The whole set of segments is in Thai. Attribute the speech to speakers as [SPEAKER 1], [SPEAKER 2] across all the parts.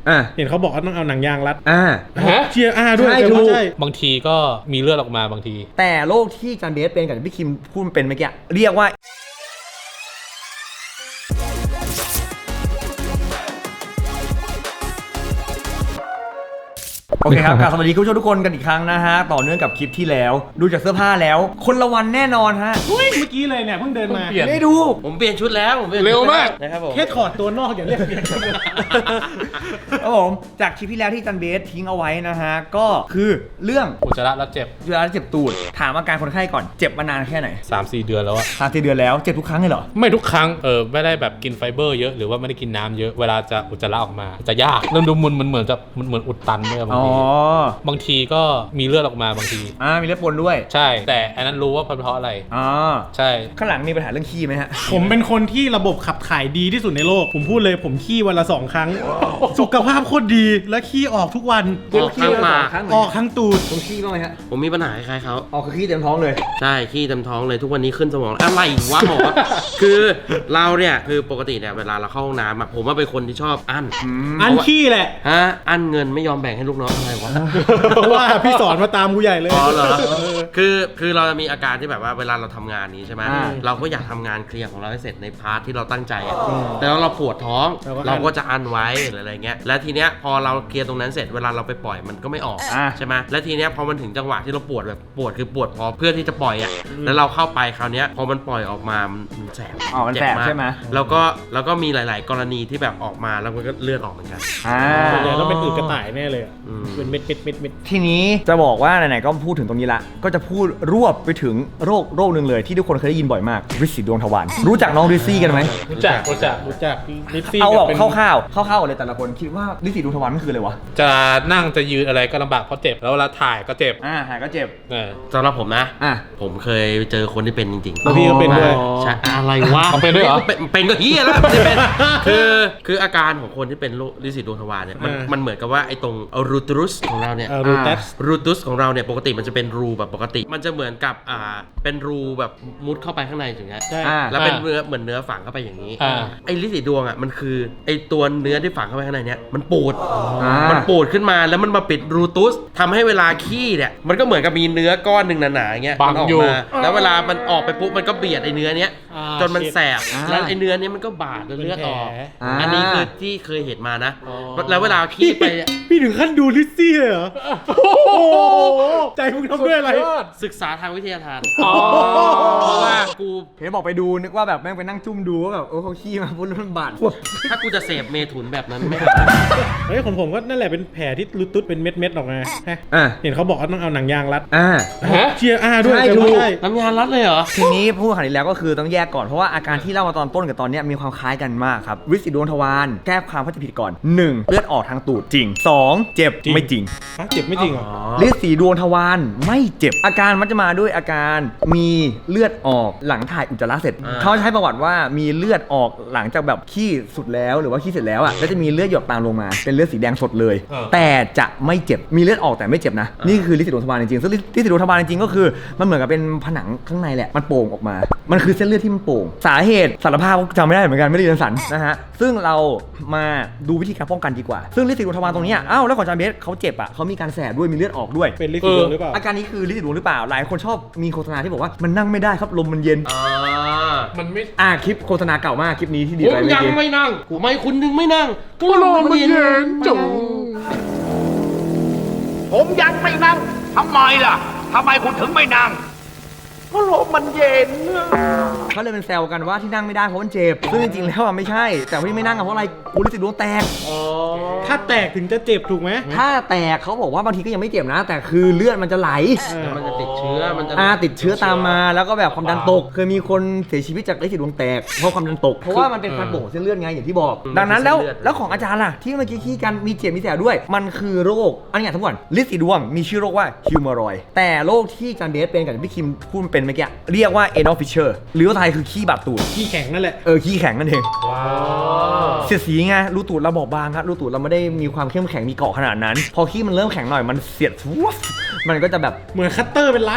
[SPEAKER 1] เห็นเขาบอกว่าต้องเอาหนังยางรัดเชียร์ด้วยใช่
[SPEAKER 2] บางทีก็มีเลือดออกมาบางที
[SPEAKER 3] แต่โรคที่จันเบสเป็นกับพี่คิมพูดเป็นเมื่อกี้เรียกว่าโอเคครับสวัสดีคุณผู้ชมทุกคนกันอีกครั้งนะฮะต่อเนื่องกับคลิปที่แล้วดูจากเสื้อผ้าแล้วคนละวันแน่นอนฮะ
[SPEAKER 1] เมื่อกี้เลยเนี่ยเพิ่งเดินมา
[SPEAKER 3] ไม่ดู
[SPEAKER 4] ผมเปลี่ยนชุดแล้วผม
[SPEAKER 2] เร็วมาก
[SPEAKER 4] นะครับผม
[SPEAKER 1] แค่ถอดตัวนอกอย่างเรียกเปลี่ยน
[SPEAKER 3] ครับผมจากคลิปที่แล้วที่จันเบสทิ้งเอาไว้นะฮะก็คือเรื่อง
[SPEAKER 2] อุจจาระแล้วเจ็บ
[SPEAKER 3] ตูดถามอาการคนไข้ก่อนเจ็บมานานแค่ไหน
[SPEAKER 2] 3-4 เดือนแล้วอะ
[SPEAKER 3] 3-4 เดือนแล้วเจ็บทุกครั้งเลยเหรอ
[SPEAKER 2] ไม่ทุกครั้งไม่ได้แบบกินไฟเบอร์เยอะหรือว่าไม่ได้กินน้ำเยอะเวลาจะอุจจาระออกมาจะยากเริ่มดูมันเหมือนอุดตันด้วยบางทีก็มีเลือดออกมาบางที
[SPEAKER 3] มีเลือดปนด้วย
[SPEAKER 2] ใช่แต่อันนั้นรู้ว่าเพราะอะไรใช่
[SPEAKER 3] ข้างหลังมีปัญหาเรื่องขี้ไหมฮะ
[SPEAKER 1] ผมเป็นคนที่ระบบขับถ่ายดีที่สุดในโลกผมพูดเลยผมขี้วันละ2 ครั้งสุขภาพโคตรดีและขี้ออกทุกวัน
[SPEAKER 4] ออกทั้งปาก
[SPEAKER 1] ออกทั้งตูด
[SPEAKER 3] ผมขี้บ้างไหมฮะ
[SPEAKER 4] ผมมีปัญหาคล้ายเขา
[SPEAKER 3] ออกคือขี้เต็มท้องเลย
[SPEAKER 4] ใช่ขี้เต็มท้องเลยทุกวันนี้ขึ้นสมองอะไรวะหมอคือเราเนี่ยคือปกติเนี่ยเวลาเราเข้าห้องน้ำผมว่าเป็นคนที่ชอบอั้น
[SPEAKER 1] ขี้แหละ
[SPEAKER 4] อั้นเงินไม่ยอมแบ่งให้ลูกน้องอะไรวะ
[SPEAKER 1] เพราะว่าพี่สอนมาตามกูใหญ่เลย
[SPEAKER 4] อ๋อเหรอคือเราจะมีอาการที่แบบว่าเวลาเราทำงานนี้ใช่ไหมเราก็อยากทำงานเคลียร์ของเราให้เสร็จในพาร์ทที่เราตั้งใจแต่เราปวดท้องเราก็จะอั้นไว้หรืออะไรเงี้ยและทีเนี้ยพอเราเคลียร์ตรงนั้นเสร็จเวลาเราไปปล่อยมันก็ไม่ออกใช่ไหมและทีเนี้ยพอมันถึงจังหวะที่เราปวดแบบปวดคือปวดพอเพื่อที่จะปล่อยแล้วเราเข้าไปคราวเนี้ยพอมันปล่อยออกมามันแสบ
[SPEAKER 3] มันแสบใช่ไหม
[SPEAKER 4] แล้วก็มีหลายๆกรณีที่แบบออกมาแล้วมันก็เลือดออกเหมือนกัน
[SPEAKER 1] ส่วนใหญ่เราเป็นอืดกระต่ายแน่เลยเป็นเม็ด
[SPEAKER 3] ทีนี้จะบอกว่าไหนๆก็พูดถึงตรงนี้ละก็จะพูดรวบไปถึงโรคหนึ่งเลยที่ทุกคนเคยได้ยินบ่อยมากริซซี่ดวงทวารรู้จักน้องริซซี่กันไหม
[SPEAKER 2] รู้จัก
[SPEAKER 1] ริซซี่
[SPEAKER 3] เอาแบบคร่าวๆเลยแต่ละคนคิดว่าริซซี่ดวงทวารมันคืออะไรวะ
[SPEAKER 2] จะนั่งจะยืนอะไรก็ลำบากเพราะเจ็บแล้วเวลาถ่ายก็เจ็บ
[SPEAKER 3] ถ่ายก็เจ็บ
[SPEAKER 4] สำหรับผมนะผมเคยเจอคนที่เป็นจริงๆ
[SPEAKER 1] แล้วพี่ก็เป็นด้วย
[SPEAKER 4] ใช่อะไรวะ
[SPEAKER 2] เป็นด้วยเหรอ
[SPEAKER 4] เป็นก็เฮียแล้วจะเป็นคืออาการของคนที่เป็นริซซี่ดวงทวารเนี่ยมันเหมือนกับว่าไอ้ตรงรูตุสของเราเนี่ยรูตุสของเราเนี่ยปกติมันจะเป็นรูแบบปกติมันจะเหมือนกับเป็นรูแบบมุดเข้าไปข้างในอย่างเงี้ยแล้วเป็นเนื้อเหมือนเนื้อฝังเข้าไปอย่างนี้ไอ้ริซซี่ดวงมันคือไอ้ตัวเนื้อที่ฝังเข้าไปข้างในเนี่ยมันปูดขึ้นมาแล้วมันมาปิดรูตุสทำให้เวลาขี้เนี่ยมันก็เหมือนกับมีเนื้อก้อนหนึ่งหนาๆอย่างเงี้ย
[SPEAKER 2] มันออกมา
[SPEAKER 4] แล้วเวลามันออกไปปุ๊บมันก็เบียดไอ้เนื้อเนี้ยจนมันแสบแล้วไอ้เนื้อนี้มันก็บาดจนเลือดออกอันนี้คือที่เคยเห็นมานะแล้วเวลาขี้ไป
[SPEAKER 1] พี่ถึงขั้นดูริซซี่เลยเหรอใจมึงทำด้วยอะไร
[SPEAKER 4] ศึกษาทางวิทยาทาน
[SPEAKER 3] เพราะว่ากูเห็นบอกไปดูนึกว่าแบบแม่งไปนั่งจุ่มดูว่าแบบเขาขี้มาพุ่งบาด
[SPEAKER 4] ถ้ากูจะเสพเมถุนแบบนั้นไม่
[SPEAKER 1] เฮ้ยผมก็นั่นแหละเป็นแผลที่รูตุสเป็นเม็ดออกมาเห็นเขาบอกว่าต้องเอาหนังยางรัดเชียร์ด้วย
[SPEAKER 3] ใช่
[SPEAKER 4] น้ำยางรัดเลยเหรอ
[SPEAKER 3] ทีนี้พูดขนาดนี้แล้วก็คือต้องแยกก่อนเพราะว่าอาการที่เล่ามาตอนต้นกับตอนนี้มีความคล้ายกันมากครับริซซี่ดวงทวารแก้ความเข้าใจผิดก่อน1เลือดออกทางตูดจริง2เจ็บไม่จริง
[SPEAKER 1] เจ็บไม่จริงเหรอ
[SPEAKER 3] ริซซี่ดวงทวารไม่เจ็บอาการมันจะมาด้วยอาการมีเลือดออกหลังถ่ายอุจจาระเสร็จเขาใช้ประวัติว่ามีเลือดออกหลังจากแบบขี้สุดแล้วหรือว่าขี้เสร็จแล้วแล้วจะมีเลือดหยดตามลงมาเป็นเลือดสีแดงสดเลยแต่จะไม่เจ็บมีเลือดออกแต่ไม่เจ็บนะนี่คือริซซี่ดวงทวารจริงๆซึ่งริซซี่ดวงทวารจริงๆก็คือมันเหมือนกับเป็นผนังข้างในแหละมันโป่งออกมามันคือเส้นเลือดที่มันโป่งสาเหตุสารภาพจำไม่ได้เหมือนกันไม่ได้เรียนสันนะฮะซึ่งเรามาดูวิธีการป้องกันดีกว่าซึ่งริซซี่ดวงทวารตรงนี้แล้วของจานเบสเขาเจ็บเขามีการแสบด้วยมีเลือดออกด้วย
[SPEAKER 1] เป็นริซซี่ดวงหรือเปล่า
[SPEAKER 3] อาการนี้คือริซซี่ดวงหรือเปล่าหลายคนชอบมีโฆษณาที่บอกว่ามันนั่งไม่ได้ครับลมมันเย็น
[SPEAKER 2] มันไม่
[SPEAKER 3] คลิปโฆษณาเก่ามากคลิปนี้ที่ดี
[SPEAKER 4] ไปผมยังไม่นั่งทำไมคุณถึงไม่นั่งก็ลมมันเย็นจุ๊
[SPEAKER 5] ผมยังไม่นั่งทำไมล่ะทำไมคุณถึงไม่นั่งก็ลมมันเย็น
[SPEAKER 3] เขาเลยเป็นแซวกันว่าที่นั่งไม่ได้เพราะมันเจ็บซึ่งจริงๆแล้วไม่ใช่แต่ที่ไม่นั่งเพราะอะไรกูริซซี่ดวงแตก
[SPEAKER 1] ถ้าแตกถึงจะเจ็บถูกไหม
[SPEAKER 3] ถ้าแตกเขาบอกว่าบางทีก็ยังไม่เจ็บนะแต่คือเลือดมันจะไหล
[SPEAKER 4] มันจะติดเชื้อมันจะ
[SPEAKER 3] ติดเชื้อตามมาแล้วก็แบบความดันตกเคยมีคนเสียชีวิตจากริซซี่ดวงแตกเพราะความดันตกเพราะว่ามันเป็นการโป่งเส้นเลือดไงอย่างที่บอกดังนั้นแล้วของอาจารย์ล่ะที่เมื่อกี้ขี้กันมีเจ็บมีแสบด้วยมันคือโรคอันนี้ทั้งหมดริซซี่ดวงมีชื่อโรคว่าฮิวเมอรอยด์แต่โรคที่อาจารย์เบสเป็นกับพี่คิมพูดเป็นเมื่อกี้เรียกว่า anal fissure หรือว่าไทยคือขี้บาดตูด
[SPEAKER 1] ขี้แข็งนั่นแหละ
[SPEAKER 3] ขี้แข็งนั่นเองเสียดสีไงรูตูดเราบอบบางครับรูตูดเราไม่ได้มีความเข้มแข็งมีเกาะขนาดนั้นพอขี้มันเริ่มแข็งหน่อยมันเสียดมันก็จะแบบ
[SPEAKER 1] เหมือนคัตเตอร์เป็นล้าน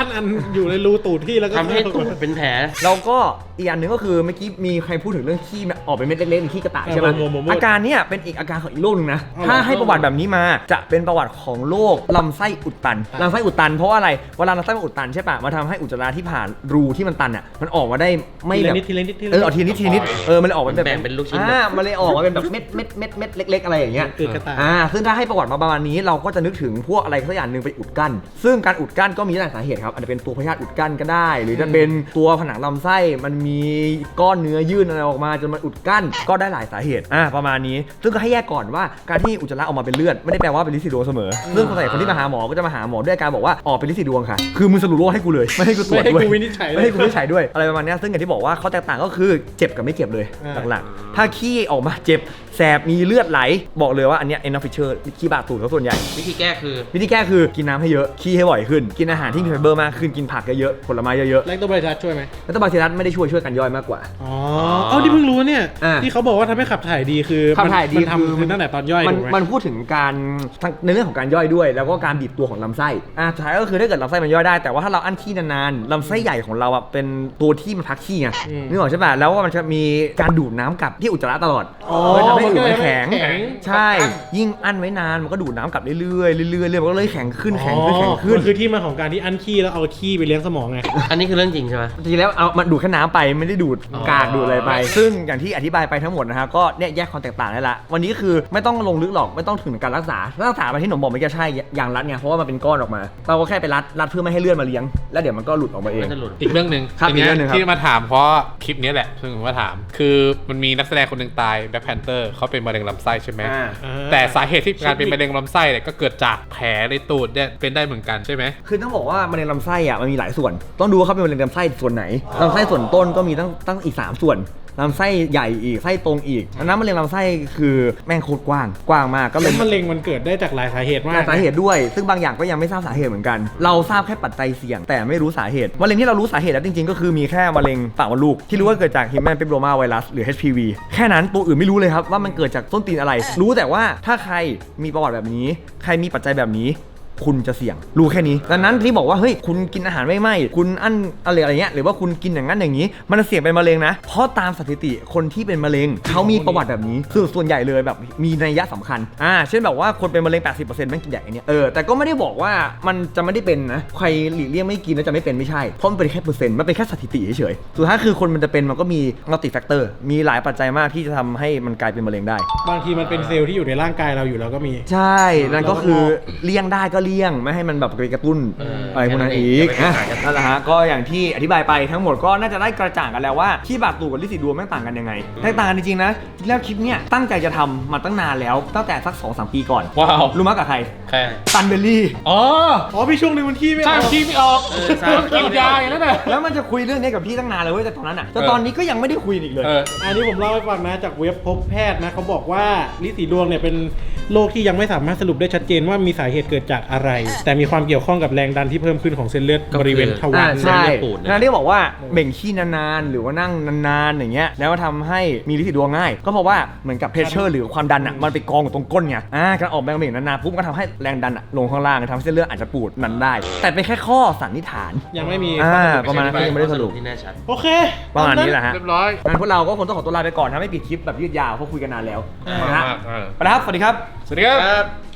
[SPEAKER 1] อันอยู่ในรูตูดพี่แล้วก็
[SPEAKER 4] ทำให้ตูดเป็นแผล
[SPEAKER 3] แล้วก็อีกอันหนึงก็คือเมื่อกี้มีใครพูดถึงเรื่องขี้ออกเป็นเม็ดเล็กๆขี้กระต่ายใช่ไหมอาการเนี้ยเป็นอีกอาการของอีกโรคนึงนะถ้าให้ประวัติแบบนี้มาจะเป็นประวัติของโรคลำไส้อุดตันลำไส้อุดตันเพราะว่าอะไรเวลาลำไส้มันอุดตันใช่ปะมันทำให้อุจจาระที่ผ่านรูที่มันตันอ่ะมันออกมาได้ไม่แบบ
[SPEAKER 1] ทีละนิด
[SPEAKER 3] ออกทีนิดมันเลยออกมาแบบ
[SPEAKER 4] แบ่งเป็นลูกชิ้น
[SPEAKER 3] มันเลยออกมาเป็นแบบเม็ดเล็กๆอะไรอย่างเงี้ย
[SPEAKER 1] คือกระต่าย
[SPEAKER 3] ซึ่งถ้าให้ประวัติมาประมาณนี้เราก็จะนึกถึงพวกอะไรสักอย่างหนึ่งไปอุดกั้นซึ่งการอุดกั้นก็มีหลายสาเหตุครับอาจจะเป็นตัวพยาธิอุดกั้นก็ได้ หรือจะเป็นตัวผนังลำไส้มันมีก้อนเนื้อยื่นอะไรออกมาจนมันอุดกั้นก็ได้หลายสาเหตุประมาณนี้ซึ่งก็ให้แยกก่อนว่าการที่อุจจาระออกมาเป็นเลือดไม่ได้แปลว่าเป็นลินสีดวงเสมอซึ่งคนที่มาหาหมอก็จะมาหาหมอด้วยอาการบอกว่าออกเป็นลินสีดวงค่ะคือมึงสรุปโรคให้กูเลยไม่ให้กูตรวจด้วย
[SPEAKER 1] ไม่ให้กูวินิจฉัยเลย
[SPEAKER 3] ไม่ให้กูวินิจฉัยด้วยอะไรประมาณนี้ซึ่งอย่างที่บอกว่าข้อแตกต่างก็คือเจ็บกับไม่เจ็บเลยหลักๆถ้าขี้ออกมาเจ็บแสบมีเลือดไหลบอกเลยว่าอันเนี้ย enough fisher ขี้บาดตูดเขาส่วนใหญ่
[SPEAKER 4] วิธีแก้คือ
[SPEAKER 3] วิธีแก้คือกินน้ำให้เยอะขี้ให้บ่อยขึ้นกินอาหารที่มีไฟเบอร์มากขึ้นกินผักเยอะๆผลไม้เยอะ
[SPEAKER 1] แลคโตไบรัสช่วยไหม
[SPEAKER 3] ๆแล้วตัวบาซิลัสไม่ได้ช่วยกันย่อยมากกว่า
[SPEAKER 1] อ๋อเอาที่เพิ่งรู้เนี่ย
[SPEAKER 3] อ่า
[SPEAKER 1] ที่เขาบอกว่าทำให้ขับถ่ายดีคือ
[SPEAKER 3] ขับถ่ายดี
[SPEAKER 1] มันทำคือตั้งแต่ตอนย่อย
[SPEAKER 3] มัน
[SPEAKER 1] ถูกไหม
[SPEAKER 3] มันพูดถึงการในเรื่องของการย่อยด้วย แล้วก็การบีบตัวของลำไส้สุดท้ายก็คือถ้าเกิดลำไส้มันย่อยได้แต่ว่าถ้าเราอั้นขี้นานๆลำไส้ใหญ่ของเราเป็นตัวที่มันพักขี้ไงนึกออกใช่ป่ะแล้วว่ามันจะมีการดูดน้ำกลับที่อุจจาระตลอดเลยทำให้ผิวมันแข็งใช่ยิ่งอั้นไว้นานมันก็ดูดน้ำกลับเรื่อยๆเรื่อยๆมันก็เลยแข็งขึ้น
[SPEAKER 1] มันคือที่มาของการที่อั้นขี้แล้วเอาขี้ไปเลี้ยงสมองไง
[SPEAKER 4] อันนี้คือเรื่องจริงใช่ไหม
[SPEAKER 3] จริงๆแล้วเอามันดูดแค่น้ำไปไม่ได้ดูดกากดูดอะไรไป ซึ่งอย่างที่อธิบายไปทั้งหมดนะฮะก็เนี่ยแยกความแตกต่างได้ละวันนี้คือไม่ต้องลงลึกหรอกไม่ต้องถึงการรักษาไปที่หนมบอกไม่ใช่อย่างรัดไงเพราะว่ามันเป็นก้อนออกมาเราก็แค่ไปรัดเพื่อไม่ให้เลือดมาเลี้ยงแล้วเดี๋ยวมันก็หลุดออกมาเอง
[SPEAKER 4] มันจะหลุด
[SPEAKER 2] อีกเรื่องหนึ่ง
[SPEAKER 3] ครับ
[SPEAKER 2] ทีเนี้
[SPEAKER 3] อีกเรื่องหนึ่งครับ
[SPEAKER 2] ที่มาถามเพราะคลิปนี้แหละซึ่งผมมาถาม คือมันมีนักแสดงคนหนึ่งตายแบ็คแพนเตอร์เขาเป็นมะเร็งลำไส้ใช่ไหมแต่สาเหตุที่การเป็นมะเร็งลำไส้เนี่ยก็เกิดจากแผลในตูดเนี่ยเป็นได้เหมือนกันใช่ไหม
[SPEAKER 3] คือต้องบอกว่ามะเร็งลำไส้อ่ะมันมีหลายส่วนต้องดูว่าเขาเป็นมะเร็งลำไส้ส่วนไหนลำไส้ส่วนต้นก็มีตั้งอีก3ส่วนลำไส้ใหญ่อีกไส้ตรงอีกอันนั้นมะเร็งลำไส้คือแม่งโคตรกว้างมากก็เล
[SPEAKER 1] แล้ว
[SPEAKER 3] ย
[SPEAKER 1] มะเร็งมันเกิดได้จากหลายสาเหตุมาก
[SPEAKER 3] สาเหตุด้วยซึ่งบางอย่างก็ยังไม่ทราบสาเหตุเหมือนกันเราทราบแค่ปัจจัยเสี่ยงแต่ไม่รู้สาเหตุมะเร็งที่เรารู้สาเหตุแล้วจริงๆก็คือมีแค่มะเร็งปากมดลูกที่รู้ว่าเกิดจาก Human Papilloma Virus หรือ HPV แค่นั้นตัวอื่นไม่รู้เลยครับว่ามันเกิดจากส้นตีนอะไร รู้แต่ว่าถ้าใครมีประวัติแบบนี้ใครมีปัจจัยแบบนี้คุณจะเสี่ยงรู้แค่นี้ดังนั้นที่บอกว่าเฮ้ยคุณกินอาหารไม่ไหมคุณอั้นอะไรเงี้ยหรือว่าคุณกินอย่างนั้นอย่างนี้มันเสี่ยงเป็นมะเร็งนะเพราะตามสถิติคนที่เป็นมะเร็งเขามีประวัติแบบนี้คือส่วนใหญ่เลยแบบมีนัยยะสำคัญเช่นแบบว่าคนเป็นมะเร็ง 80% ไม่กินอย่างนี้แต่ก็ไม่ได้บอกว่ามันจะไม่ได้เป็นนะใครหลีกเลี่ยงไม่กินแล้วจะไม่เป็นไม่ใช่เพราะมันเป็นแค่เปอร์เซ็นต์มันเป็นแค่สถิติเฉยๆสุดท้ายคือคนมันจะเป็นมันก็มีมัลติแฟกเตอร์มีหลายปัจจัยมากที่จะทำให้มันกลายเป็นมะเร็งได้
[SPEAKER 1] บางทีมันเป็นเซลล์ที่อยู่ในร่างกายเราอยู่แล้วก็มี
[SPEAKER 3] ใช่นั่นก็คือเลี่ยงได้ก็เลี่ยงไม่ให้มันแบบไปกระตุ้นอะไรพวกนั้นอีกนั่นแหละฮะก็อย่างที่อธิบายไปทั้งหมดก็น่าจะได้กระจ่างกันแล้วว่าขี้บาดตูดกับลินสีดวงแม่งต่างกันยังไงแตกต่างกันจริงๆนะแล้วคลิปเนี้ยตั้งใจจะทำมาตั้งนานแล้วตั้งแต่สัก 2-3 ปีก่อน
[SPEAKER 2] ว้าว
[SPEAKER 3] รู้มั้ยกับใคร
[SPEAKER 2] แค่
[SPEAKER 3] ซันเบลลี่
[SPEAKER 2] อ๋อ
[SPEAKER 1] มีช่วงหนึงมันขี้ไม่อ
[SPEAKER 2] ใช่
[SPEAKER 1] อก
[SPEAKER 2] ขี้ไม่ออกกินยาอย่างนั้นน่ะ
[SPEAKER 3] แล้วมันจะคุยเรื่องนี้กับพี่ตั้งนานเลยเว้ยแต่ตอนนั้นอ่ะแต่ตอนนี้ก็ยังไม่ได้คุยอีกเลย
[SPEAKER 1] อันนี้ผมเล่าให้ฟังนะจากเว็บพบแพทย์นะเขาบอกว่าลินสีดวงเนี่ยเป็นโรคที่ยังไม่สามารถสรุปได้ชัดเจนว่ามีสาเหตุเกิดจากอะไร แต่มีความเกี่ยวข้องกับแรงดันที่เพิ่มขึ้นของเส้นเลือดบริเวณทวาร
[SPEAKER 3] ใช่
[SPEAKER 4] เลือดปูดเนี่ย
[SPEAKER 3] นั่นที่บอกว่าเบ่งขี้นานๆหรือว่านั่งนานๆอย่างเงี้ยแล้วทำให้มีลินสีดวงง่ายก็เพราะว่าเหมือนกับเพรสเชอร์หรือความดันอ่ะมันไปกองอยู่ตรงก้นไงการออกแรงเบ่งนานๆปุ๊บก็ทำให้แรงดันอ่ะลงข้างล่างทำให้เส้นเลือดอาจจะปูดนั้นได้ แต่เป็นแค่ข้อสันนิษฐาน
[SPEAKER 1] ยังไม่มี
[SPEAKER 3] ประมาณนั้นก็ยังไม่ได้สรุป
[SPEAKER 4] ที่แน่ชัด
[SPEAKER 1] โอเค
[SPEAKER 3] ประมาณนี้แหละฮะ
[SPEAKER 2] เรียบร้อย
[SPEAKER 3] งั้นพวกเราก็คงต้องขอตัวลาไปก่อนนะไม่ปิดคลิปแบบยืดยาวเพราะคุยกันนานแล้วนะฮะ
[SPEAKER 2] มาก
[SPEAKER 3] ไปแล้วครับสวัสดีครับ
[SPEAKER 2] สวัสดีครับ